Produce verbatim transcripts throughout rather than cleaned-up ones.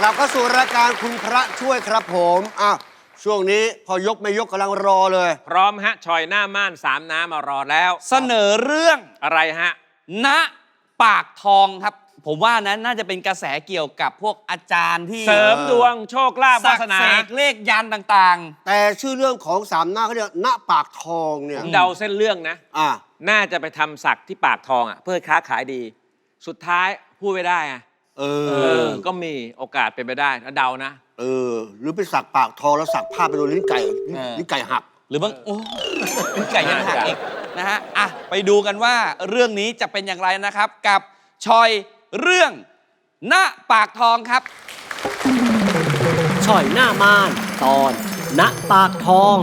กลับเข้าสู่รายการคุณพระช่วยครับผมอ่ะช่วงนี้พอยกไม่ยกกำลังรอเลยพร้อมฮะชอยหน้าม่านสามน้ำมารอแล้วเสนอเรื่องอะไรฮะณปากทองครับผมว่านั้นน่าจะเป็นกระแสเกี่ยวกับพวกอาจารย์ที่เสริมดวงโชคลาภวาสนาสักเสกเลขยันต่างๆแต่ชื่อเรื่องของสามหน้าเขาเรียกณปากทองเนี่ยเดาเส้นเรื่องนะอ่าน่าจะไปทำสักที่ปากทองอ่ะเพื่อค้าขายดีสุดท้ายพูดไม่ได้อ่ะเออก็มีโอกาสเป็นไปได้ถ้าเดานะเออหรือไปสักปากทองแล้วสักผ้าไปโดนลิ้นไก่ลิ้นไก่หักหรือบางโอ้ลิ้นไก่ยังหักอีกนะฮะอ่ะไปดูกันว่าเรื่องนี้จะเป็นอย่างไรนะครับกับชอยเรื่องณปากทองครับช่อยหน้าม่านตอนณปากทอง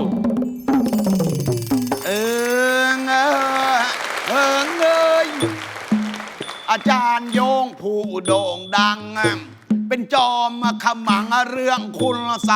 เออเออเออเอยอาจารย์โยงผู้โด่งดังเป็นจอมขมังเรื่องคุณใส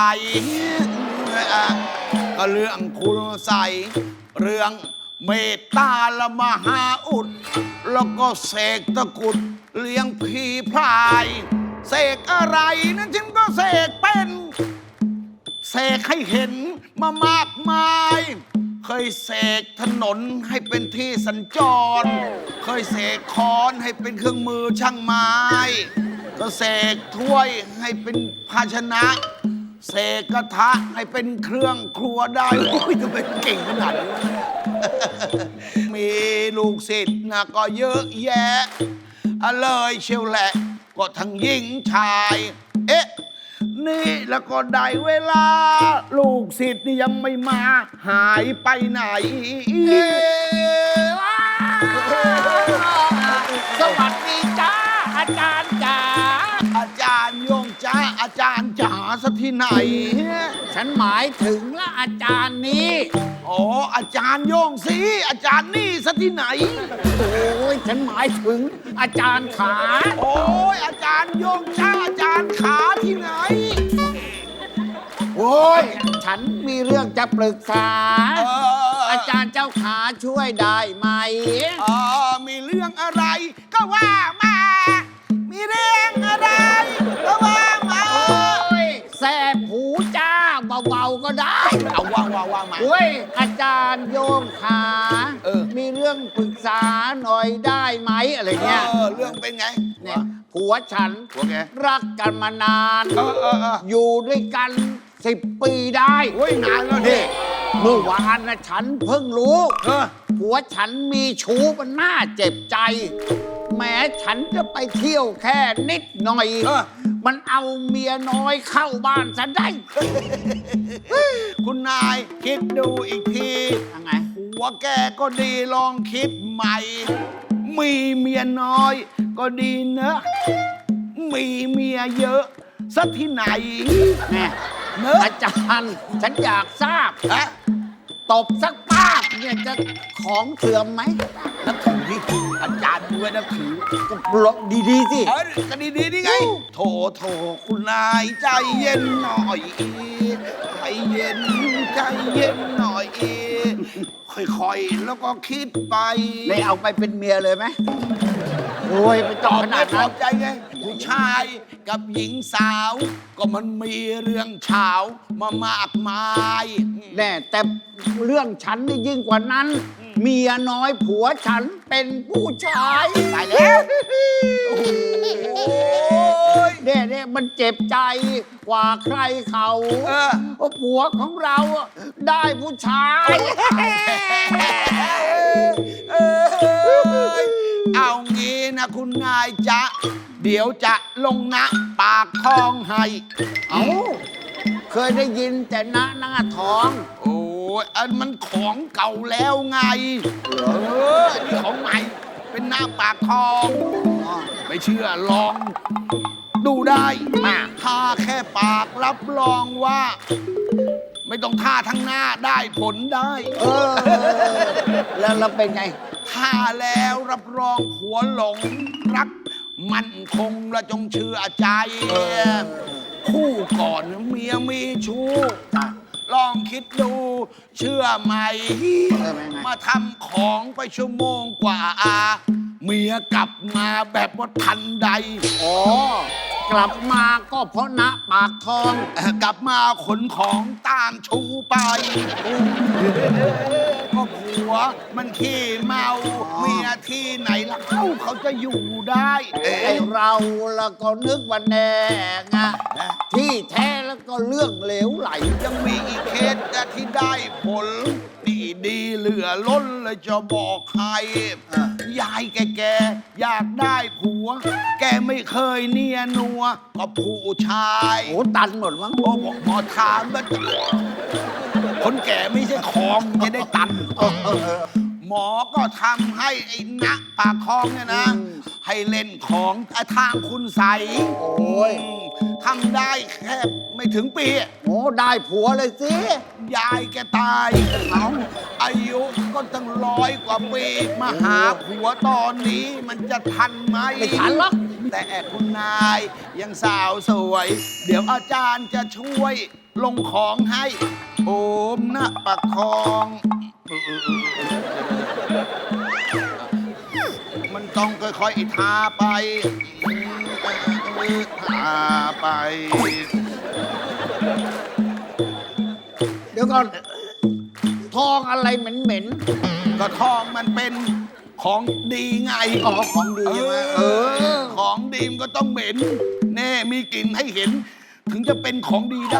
ก็เรื่องคุณใสเรื่องเมตตาละมหาอุดแล้วก็เสกตะกุดเลี้ยงผีพรายเสกอะไรนั้นฉันก็เสกเป็นเสกให้เห็นมามากมายเคยเสกถนนให้เป็นที่สัญจรเคยเสกค้อนให้เป็นเครื่องมือช่างไม้ก็เสกถ้วยให้เป็นภาชนะเสกกระทะให้เป็นเครื่องครัวได้โอ้ยทำไมเก่งขนาดนี้มีลูกศิษย์นะก็เยอะแยะเลยเชียวแหละก็ทั้งหญิงชายเอ๊ะนี่แล้วก็ได้เวลาลูกศิษย์นี่ยังไม่มาหายไปไหนสวัสดีจ้าอาจารย์จ๋าอาจารย์โยงจ้าอาจารย์จ๋าสักที่ไหนฉันหมายถึงละอาจารย์นี้อ๋ออาจารย์โยงสิอาจารย์นี่สักที่ไหนโอ้ยฉันหมายถึงอาจารย์ขาโอ้ยอาจารย์โยงจ้าอาจารย์ขาที่ไหนโอ้ยฉันมีเรื่องจะปรึกษาอาจารย์เจ้าขาช่วยได้ไหมอ๋อมีเรื่องอะไรก็ว่ามามีเรื่องอะไรก็ว่ามาโอ้ยแสบหูจ้าเบาๆก็ได้เอาว่าว่าว่ามาโอ้ยอาจารย์โยมขาเออมีเรื่องปรึกษาหน่อยได้ไหมอะไรเงี้ยเออเรื่องเป็นไงเนี่ยผัวฉันรักกันมานานเออเออเอออยู่ด้วยกันสิบปีได้โอ้ยนานแล้วนี่เมื่อวานนะฉันเพิ่งรู้ผัวฉันมีชู้มันน่าเจ็บใจแม้ฉันจะไปเที่ยวแค่นิดหน่อยมันเอาเมียน้อยเข้าบ้านฉันได้คุณนายคิดดูอีกทียังไงผัวแกก็ดีลองคิดใหม่มีเมียน้อยก็ดีเนอะมีเมียเยอะสักที่ไหนแน่เนอะอาจารย์ฉันอยากทราบอะตบสักป้าเนี่ยจะของเสื่อมไหมนับถือที่อาจารย์ด้วยนับถือก็ปลดดีๆสิเออก็ดีๆนี่ไงโถโถคุณนายใจเย็นหน่อยใจเย็นใจเย็นหน่อยค่อยๆแล้วก็คิดไปเลยเอาไปเป็นเมียเลยไหมโอ้ยไปตอบขนาดนั้นใจไงผู้ชายกับหญิงสาวก็มันมีเรื่องเฉามามากมายแน่แต่เรื่องฉันนี่ยิ่งกว่านั้นเมียน้อยผัวฉันเป็นผู้ชายตายแล้วเน่เน่มันเจ็บใจกว่าใครเขาเพราะผัวของเราได้ผู้ชายเอางี้นะคุณนายจ๊ะเดี๋ยวจะลงณปากทองให้เอ้าเคยได้ยินแต่ณหน้าท้องโอ้ยอันมันของเก่าแล้วไงเออนี่ของใหม่เป็นหน้าปากทองไม่เชื่อลองดูได้มาท่าแค่ปากรับรองว่าไม่ต้องท่าทั้งหน้าได้ผลได้เออแล้วเราเป็นไงท่าแล้วรับรองผัวหลงรักมั่นคงและจงเชื่อใจคู่ก่อนเมียมีชู้ลองคิดดูเชื่อไหมมาทำของไปชั่วโมงกว่าเมียกลับมาแบบว่าทันใดอ๋อกลับมาก็เพราะณปากทองเอ่อกลับมาขนของตามชูไปก็ผัวมันขี้เมาเมียที่ไหนล่ะเขาเขาจะอยู่ได้เอ๊ไอะ เราแล้วก็นึกว่าแน่ไงที่แท้แล้วก็เรื่องเหลวไหลยังมีอีกเคสที่ได้ผลดีดีเหลือล้นเลยจะบอกใครยายแกๆอยากได้ผัว แกไม่เคยเนียนัวก็ผู้ชายโอ้ตันหมดมั้งโอ้บอกหมอถามว่าคนแก่ไม่ใช่ของจะได้ตัน หมอก็ทำให้ไอ้ณปากคลองเนี่ยนะ ให้เล่นของทางคุณใสโอ้ยทำได้แค่ไม่ถึงปีโอ้ได้ผัวเลยสิยายแกตายเอาอายุก็ตั้งร้อยกว่าปี มาหาผัวตอนนี้มันจะทันไหมไม่ทันหรอกแต่คุณนายยังสาวสวย เดี๋ยวอาจารย์จะช่วยลงของให้ โอมนะประคองมันต้องค่อยๆทาไปทาไปเดี๋ยวก่อนทองอะไรเหม็นก็ทองมันเป็นของดีไงๆอ๋อของดีใช่ไหมเออของดีมนก็ต้องเหม็น แน่มีกลิ่นให้เห็น ถึงจะเป็นของดีได้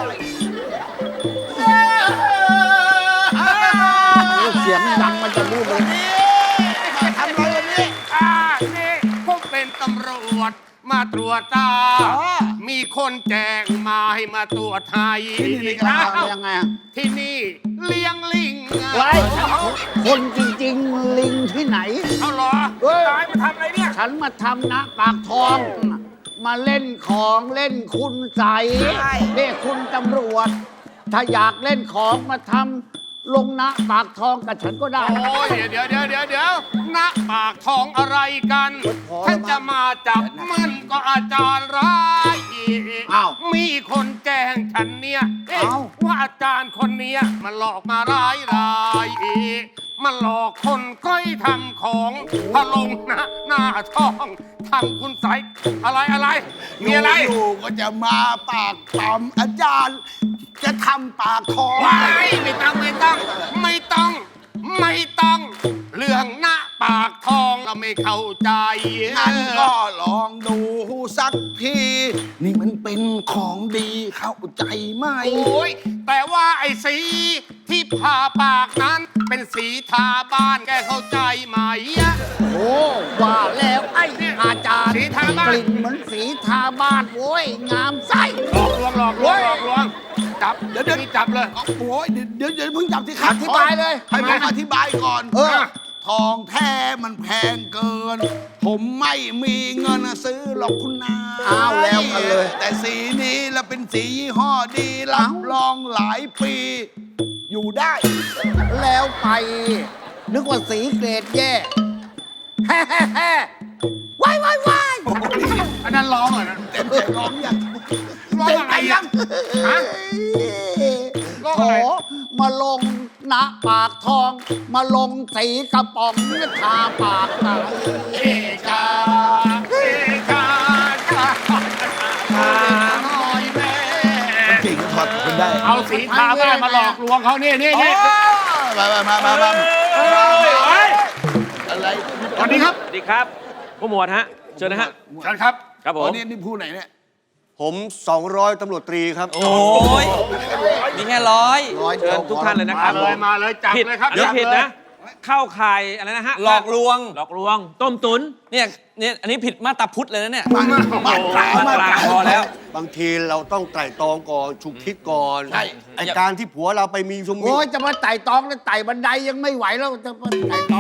เสียงดังมันจะรู้เลยทำอะไรวันนี้อ่านี่ผมเป็นตำรวจมาตรวจตาอ๋อมีคนแจ้งมาให้มาตรวจไทยที่นี่อ้าอ้าวยังไงอะที่นี่เลี้ยงลิงไงไว้เอาคนจริงๆ ลิงที่ไหนเอาเหรอเฮ้ยตายมาทำอะไรเนี่ยฉันมาทำนะปากทอง มาเล่นของเล่นคุณใสนี่คุณตำรวจ ถ้าอยากเล่นของมาทำลงนะปากทองกับฉันก็ได้โอ้ยเดี๋ยวเดี๋ยวเดี๋ยวเดี๋ยวณปากทองอะไรกันพอแล้วท่านจะมาจับมันก็อาจารย์ร้ายอีกอ้าวมีคนแจ้งฉันเนี่ยเอ๊ะเอ้าว่าอาจารย์คนเนี้ยมันหลอกมาร้ายรายอีกมันหลอกคนก้อยทำของพะลงนะหน้าท้องทำคุณใสยอะไรอะไร มีอะไรอยู่ๆก็จะมาปากปั๊มอาจารย์ จะทำปากทองว้ายไม่ต้องไม่ต้อง ไม่ต้อง ไม่ต้อง เรื่องหน้าปากทองเราไม่เข้าใจงั้นก็ลองดูสักที นี่มันเป็นของดีเข้าใจไหมโอ้ยแต่ว่าไอ้สีที่ผ่าปากนั้น เป็นสีทาบ้านแกเข้าใจไหมอะโอ้ว่าแล้วไอ้อาจารย์สีทาบ้านกลิ่นเหมือนสีทาบ้านโว้ยงามไส้หลอกลวงหลอกลวงหลอกลวงจับเดี๋ยวเดี๋ยวนี่จับเลยโอ้ยเดี๋ยวเดี๋ยวเดี๋ยวเพิ่งจับที่ครับอธิบายเลยให้ผมอธิบายก่อนเออทองแท้มันแพงเกิน ผมไม่มีเงินซื้อหรอกคุณนายอ้าวแล้วกันเลยแต่สีนี้แล้วเป็นสียี่ห้อดีรับรองหลายปี อยู่ได้แล้วไป นึกว่าสีเกรดแย่แฮ่แฮ่แฮ่ว้ายว้ายว้ายอันนั้นร้องเหรอนะเต็มใจร้องยังร้องอะไรอ่ะฮะ ร้องโถอะไรมาลงณปากทอง มาลงสีกระป๋องทาปากตายเอกาเอกาชาชาหน่อยแม่จริงถอดคุณได้เอาสีทาบ้านมาหลอกลวงเขานี่นี่นี่มามามามามาเฮ้ยอะไรสวัสดีครับสวัสดีครับผู้หมวดฮะเชิญนะฮะเชิญครับครับผอ๋อมนี่นี่ผู้ไหนเนี่ยผมสองร้อยตำรวจตรีครับโอ้ยมีแค่ร้อยร้อยเชิญทุกท่านเลยนะคมารับเลยผมมาเลยจับผิดเลยครับเดี๋ยวจับผิดเลยนะ เข้าข่ายอะไรนะฮะหลอกลวงหลอกลวง ต้มตุ๋นเนี่ยเนี่ยอันนี้ผิดมาตราพุทธเลยนะเนี่ยมามาตรามามาตราตราพอแล้วบางทีเราต้องไตร่ตรองก่อนฉุกคิดก่อนใช่ไอการที่ผัวเราไปมีชมมีโอ้ยจะมาไต่ตองแล้วไต่บันไดยังไม่ไหวแล้วจะมาไต่ตอง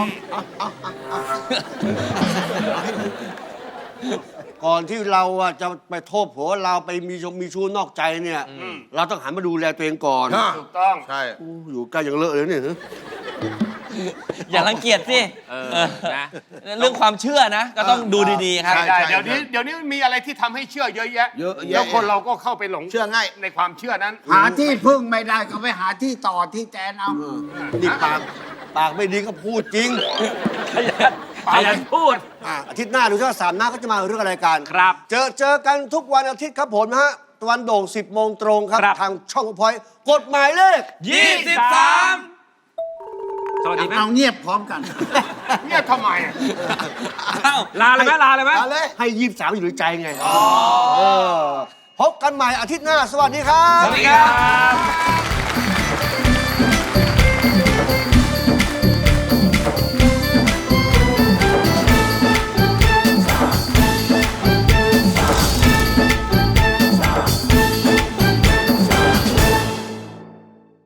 ก่อนที่เราอะจะไปโทษผัวเราไปมีชมมีชู้นอกใจเนี่ย เราต้องหันมาดูแลตัวเองก่อนถูกต้องใช่อู้อยู่ใกล้ยังเลอะเลยเนี่ยอย่ารังเกียจสิเออเออนะเรื่องความเชื่อนะ ก็ต้องดูดีๆครับใช่ได้เดี๋ยวนี้เดี๋ยวนี้มีอะไรที่ทำให้เชื่อเยอะแยะเยอะแยะแล้วคนเราก็เข้าไปหลงเชื่อง่ายในความเชื่อนั้นหาที่พึ่งไม่ได้ก็ไปหาที่ต่อที่แจนเอานี่ปากปากไม่ดีก็พูดจริงขยันขขยันพูดอ่ะอาทิตย์หน้าดูว่าสามหน้าเขาจะมาเรื่องอะไรกันครับเจอเจอกันทุกวันอาทิตย์ครับผมนะฮะตะวันโด่งสิบโมงตรงครับครับทางช่องพอยกฎหมายเลขยี่สิบสามสวัสดีไหมเอาเงียบพร้อมกันเนี่ยทำไมอะอ้าวลาเลยไหมลาเลยไหมเอาเลยให้ยี่สิบสามอยู่ในใจไงเออพบกันใหม่อาทิตย์หน้า สวัสดีครับสวัสดีครับ